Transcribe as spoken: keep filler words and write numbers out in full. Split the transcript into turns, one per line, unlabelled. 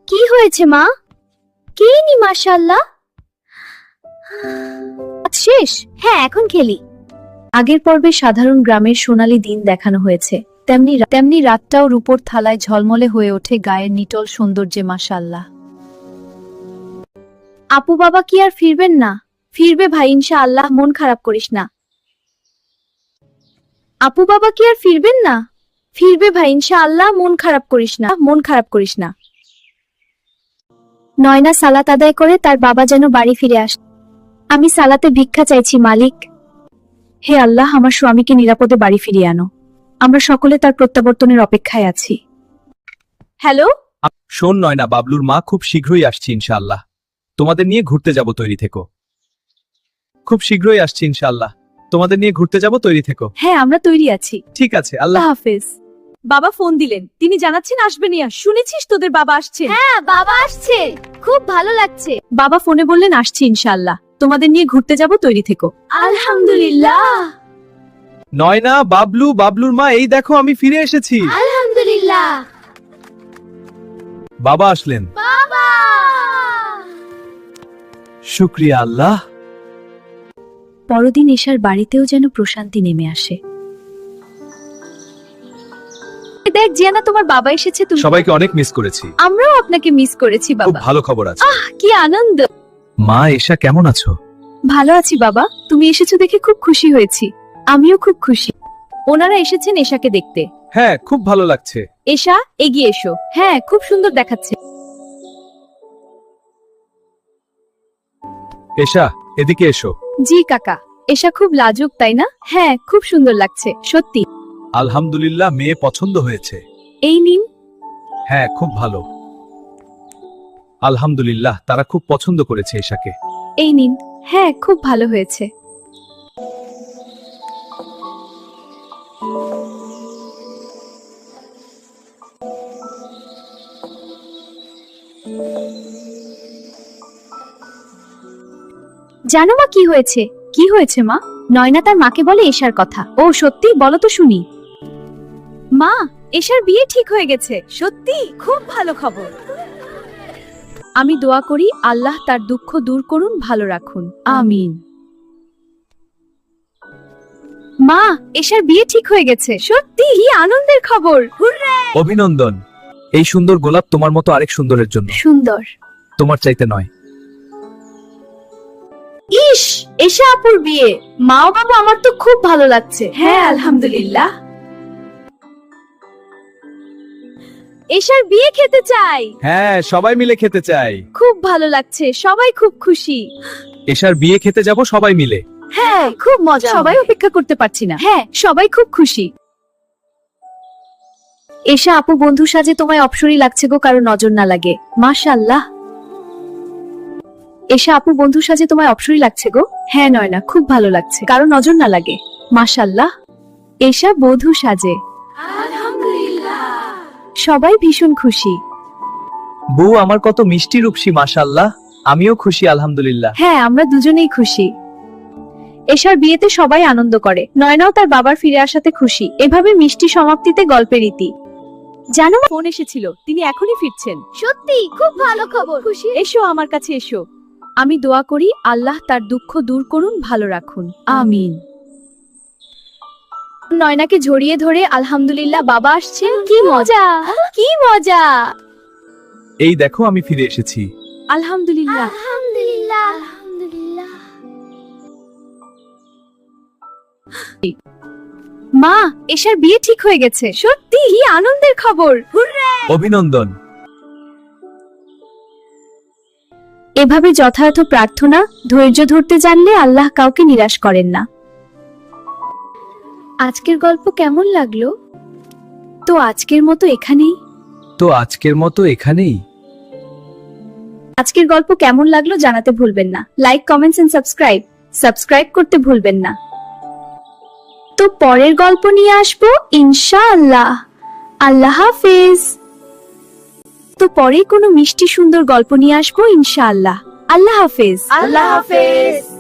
কি হয়েছে মা? কে নি মাশাআল্লাহ। শেষ? হ্যাঁ, এখন খেলি।
আগের পর্বে সাধারণ গ্রামের সোনালী দিন দেখানো হয়েছে, তেমনি তেমনি রাতটাও রূপোর থালায় ঝলমলে হয়ে ওঠে গায়ের নিটল সৌন্দর্যে মাশাআল্লাহ।
আপু বাবা কি আর ফিরবেন না? ফিরবে ভাই ইনশাআল্লাহ, মন খারাপ করিস না। আপু বাবা কি আর ফিরবেন না? ফিরবে ভাই ইনশাআল্লাহ, মন খারাপ করিস না, মন খারাপ করিস না। নয়না সালাত আদায় করে তার বাবা যেন বাড়ি ফিরে আসে। আমি সালাতে ভিক্ষা চাইছি মালিক।
হে আল্লাহ, আমার স্বামীকে নিরাপদে বাড়ি ফিরিয়ে আনো। আমরা সকলে তার প্রত্যাবর্তনের অপেক্ষায় আছি।
হ্যালো,
শোন নয়না, বাবলুর মা খুব শীঘ্রই আসছি ইনশাআল্লাহ। তোমাদের নিয়ে ঘুরতে যাব, তৈরি থেকো। খুব শীঘ্রই আসছি ইনশাআল্লাহ, তোমাদের নিয়ে ঘুরতে যাব, তৈরি থেকো।
হ্যাঁ, আমরা তৈরি আছি।
ঠিক আছে, আল্লাহ
হাফেজ। বাবা ফোন দিলেন, তিনি জানাচ্ছেন আসবেন। শুনেছিস তোদের বাবা আসছে?
হ্যাঁ বাবা আসছে, খুব ভালো লাগছে।
বাবা ফোনে বললেন আসছি ইনশাআল্লাহ, তোমাদের নিয়ে ঘুরতে যাব, তৈরি থেকো।
আলহামদুলিল্লাহ।
নয়না, বাবলু, বাবলুর মা, এই দেখো আমি ফিরে এসেছি।
আলহামদুলিল্লাহ।
বাবা আসলেন।
বাবা
শুকরিয়া আল্লাহ।
পরদিন এশার বাড়িতেও যেন প্রশান্তি নেমে আসে।
দেখ জিয়ানা, তোমার বাবা এসেছে। তুমি
সবাইকে অনেক মিস করেছি।
আমরাও আপনাকে মিস করেছি
খুব
বাবা।
ভালো খবর আছে।
আহ কি আনন্দ।
মা এশা, কেমন আছো?
ভালো আছি বাবা, তুমি এসেছো দেখে খুব খুশি হয়েছি। আমিও খুব খুশি। ওনারা এসেছেন এশাকে দেখতে।
হ্যাঁ, খুব ভালো লাগছে।
এশা, এগিয়ে এসো। হ্যাঁ, খুব সুন্দর দেখাচ্ছে।
এশা, এদিকে এসো।
জি কাকা। এশা খুব লাজুক, তাই না? হ্যাঁ, খুব সুন্দর লাগছে সত্যি।
আলহামদুলিল্লাহ, মেয়ে পছন্দ হয়েছে।
এই নিন।
হ্যাঁ, খুব ভালো। আলহামদুলিল্লাহ, তারা খুব পছন্দ করেছে এশাকে।
এই নিন। হ্যাঁ, খুব ভালো হয়েছে।
জানো মা কি হয়েছে?
কি হয়েছে মা?
নয়না তার মাকে বলে এশার কথা।
ও সত্যি? বলো তো শুনি।
মা, এশার বিয়ে ঠিক হয়ে গেছে। সত্যি? খুব ভালো খবর।
আমি দোয়া করি আল্লাহ তার দুঃখ দূর করুন, ভালো রাখুন। আমিন।
মা, এশার বিয়ে ঠিক হয়ে গেছে। সত্যি? কি আনন্দের খবর।
অভিনন্দন। এই সুন্দর গোলাপ তোমার মতো আরেক সুন্দরের জন্য।
সুন্দর।
তোমার চাইতে নয়।
ইস, এশা আপুর বিয়ে। মা ও বাবা, আমার তো খুব ভালো লাগছে।
হ্যাঁ, আলহামদুলিল্লাহ।
এশার বিয়ে খেতে চাই।
হ্যাঁ, সবাই মিলে খেতে চাই।
খুব ভালো লাগছে, সবাই খুব খুশি।
এশার বিয়ে খেতে যাব সবাই মিলে।
হ্যাঁ, খুব মজা।
সবাই অপেক্ষা করতে পারছি না।
হ্যাঁ,
সবাই খুব খুশি। এশা আপু বন্ধু সাজে তোমায় অপসরই লাগছে গো, কারো নজর না লাগে। মাশাআল্লাহ। এশা আপু বন্ধু সাজে তোমায় অপসরই লাগছে গো। হ্যাঁ নয়না, খুব ভালো লাগছে, কারো নজর না লাগে। মাশাআল্লাহ। এশা বধূ সাজে।
আলহামদুলিল্লাহ।
সবাই ভীষণ খুশি।
বউ আমার কত মিষ্টি রূপসী, মাশাআল্লাহ। আমিও খুশি আলহামদুলিল্লাহ।
হ্যাঁ, আমরা দুজনেই খুশি। এশার বিয়েতে সবাই আনন্দ করে। নয়নাও তার বাবার ফিরে আসাতে খুশি। এভাবে মিষ্টি সমাপ্তিতে গল্পের রীতি। জানো ফোন এসেছিল, তিনি এখনই ফিরছেন।
সত্যি? খুব ভালো খবর। খুশি।
এসো আমার কাছে এসো। আমি দোয়া করি আল্লাহ তার দুঃখ দূর করুন, ভালো রাখুন। আমিন।
নয়নাকে জড়িয়ে ধরে আলহামদুলিল্লাহ, বাবা আসছেন। কি মজা, কি মজা।
এই দেখো আমি ফিরে এসেছি।
আলহামদুলিল্লাহ।
আলহামদুলিল্লাহ। আলহামদুলিল্লাহ।
মা, এশার বিয়ে ঠিক হয়ে গেছে।
সত্যি? কি আনন্দের খবর।
অভিনন্দন।
এভাবে যথাযথ প্রার্থনা, ধৈর্য ধরতে জানলে আল্লাহ কাউকে নিরাশ করেন না।
আজকের গল্প কেমন লাগলো?
তো আজকের মতো এখানেই।
তো আজকের মতো এখানেই।
আজকের গল্প কেমন লাগলো জানাতে ভুলবেন না। Like, comments and subscribe. Subscribe করতে ভুলবেন না। তো পরের গল্প নিয়ে আসবো ইনশাআল্লাহ। আল্লাহ হাফেজ। তো পরে কোনো মিষ্টি সুন্দর গল্প নিয়ে আসবো ইনশাআল্লাহ। আল্লাহ হাফেজ।
আল্লাহ হাফেজ।